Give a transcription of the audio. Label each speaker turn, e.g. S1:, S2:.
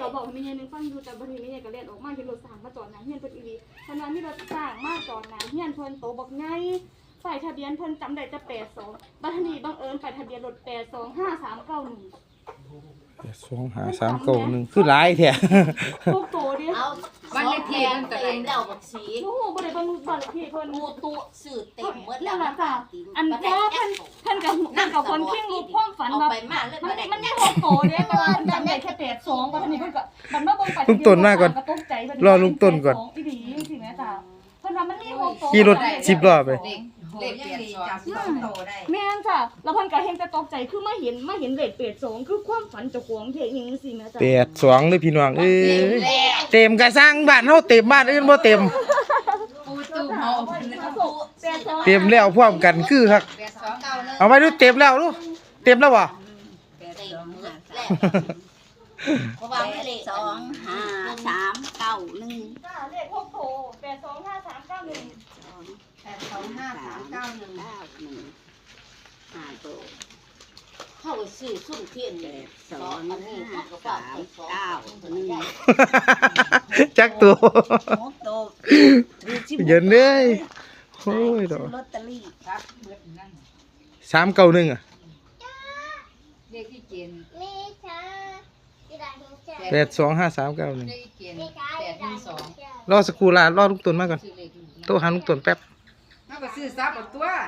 S1: บอกให้แม่ยายนึงฟังอยู่แต่บางทีแม่ยายก็เล่นออกมาเห็นรถสร้างมาจอดหน้าเฮียนเพิ่นอีหลีฉะนั้นมีรถสร้างมาจอดหน้าเฮียนเพิ่นโตบักไงป้ายทะเบียนเพิ่นจำได้จะ82บัดนี้บังเอิญป้ายทะเบียนรถ825391
S2: 25391คือหลายแท้
S1: พวกโตดิ
S3: เอาวันเลขที่มันตัวเองแล้วบักสี
S1: โอ้โหบ่ได้เบิ่งบัตรที่เพิ่น
S3: มูตุสื่อเต็มหมด
S1: นั่นล่ะจ้ะอันเพราะว่าเพิ่นกับคนเพ่งรูปความฝัน
S3: เอา
S1: ว่า
S3: ไปมาเลย
S1: มันยังพวกโตเด้แต่ว่าจำได้แค่82บัดนี้เพิ่นก็บัดมาเบิ่งป้าย
S2: ลุงต้นมาก่อน
S1: ก็ตกใจบัด
S2: รอลุงต้นก่อน
S1: อีหลีจังซี่แม่จ้ะเพิ่นว่ามันมีพวกโต
S2: ขี่รถ10รอบไป
S4: เลขเปลี่ยนจับ2โตได้
S1: แม่นจ้ะแล้วเพิ่นก็เห็นแต่ตกใจคือมาเห็นเลข82คือความฝันเจ้าของเท่จังซี่แม่จ้ะ
S2: 82เลยพี่น้องเอ้ยเต็มกระสร้างบ้านเฮาเต็มบ้านอื่นบ่เต็ม
S4: ปูตู้เฮา
S2: เต็มแล้วพร้อมกันคือคัก
S4: 8291
S2: เอาไว้ดูเต็มแล้วดูเต็มแล้วบ่
S3: เต็มหมดแล้วเพราะว่าเลข
S5: 25391
S1: จ้ะเลขพวกโต825391
S4: 825391
S3: เข้าไปซื้อซุ่มเทียนเลยอันนี้เขาก็ฝากไป291
S2: จักตัว
S5: 6โต
S2: เย็นเลยโอ้ยดอก
S5: ลอตเตอรี่
S4: ครับเบิดนั่น
S2: 391อ่ะ
S4: เลขที่เกณฑ์
S6: มีช้ากีฬาหิงเจ้า
S4: เลข
S2: 825391
S4: ที่เกณฑ์
S6: มีช้ากีฬาหิง
S4: 812
S6: เจ้าร
S2: อสักครู่ล่ะรอลุงต้นมาก่อน
S4: ซื้อเลข
S2: โตหาลุงต้นแป๊บ
S4: เฮาก็ซื้อซับเอาตัว